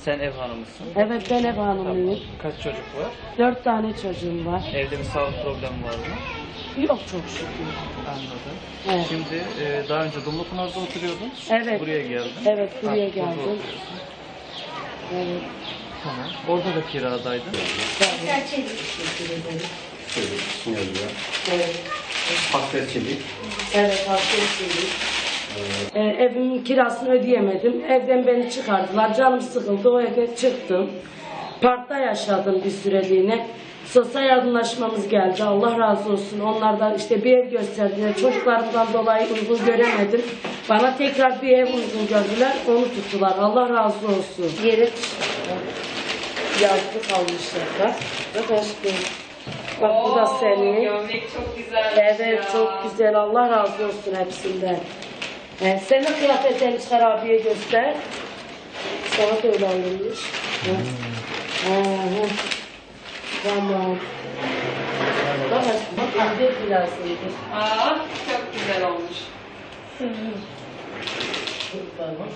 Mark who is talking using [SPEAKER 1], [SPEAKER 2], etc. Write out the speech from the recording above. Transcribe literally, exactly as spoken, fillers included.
[SPEAKER 1] Sen ev hanımısın.
[SPEAKER 2] Evet, ben ev
[SPEAKER 1] Tamam.
[SPEAKER 2] hanımıyım.
[SPEAKER 1] Kaç çocuk var?
[SPEAKER 2] Dört tane çocuğum var.
[SPEAKER 1] Evde bir sağlık problemi var mı?
[SPEAKER 2] Yok çok şükür.
[SPEAKER 1] Anladım.
[SPEAKER 2] Evet.
[SPEAKER 1] Şimdi e, daha önce Dumlupınar'da oturuyordun.
[SPEAKER 2] Evet.
[SPEAKER 1] Buraya geldin.
[SPEAKER 2] Evet, buraya
[SPEAKER 1] Artık burada
[SPEAKER 2] geldim.
[SPEAKER 1] oturuyorsun.
[SPEAKER 2] Evet.
[SPEAKER 1] Tamam. Orada da kiradaydın.
[SPEAKER 2] Teşekkür ederim.
[SPEAKER 3] Şöyle ismi yazıyor.
[SPEAKER 2] Evet.
[SPEAKER 3] Hasret çelik.
[SPEAKER 2] Evet, haklısınız. Ee, evimin kirasını ödeyemedim. Evden beni çıkardılar. Canım sıkıldı. O evden çıktım. Parkta yaşadım bir süreliğine. Sosyal yardımlaşmamız geldi. Allah razı olsun. Onlardan işte bir ev gösterdiler. Çocuklarımdan dolayı uygun göremedim. Bana tekrar bir ev uygun gördüler. Onu tuttular. Allah razı olsun. Yeri yazdı kalmışlar. Bak aşkım. Bak bu da senin.
[SPEAKER 4] Gömlek çok güzel.
[SPEAKER 2] Evet, çok güzel. Allah razı olsun hepsinden. Ee, senin kıyafetlerini çıkar abiye göster. Sana da öyle alınmış. Hı. Hı, hı. Tamam. Bak aşkım, bak anne birazıydı.
[SPEAKER 4] Aa, çok güzel olmuş.
[SPEAKER 2] Tamam.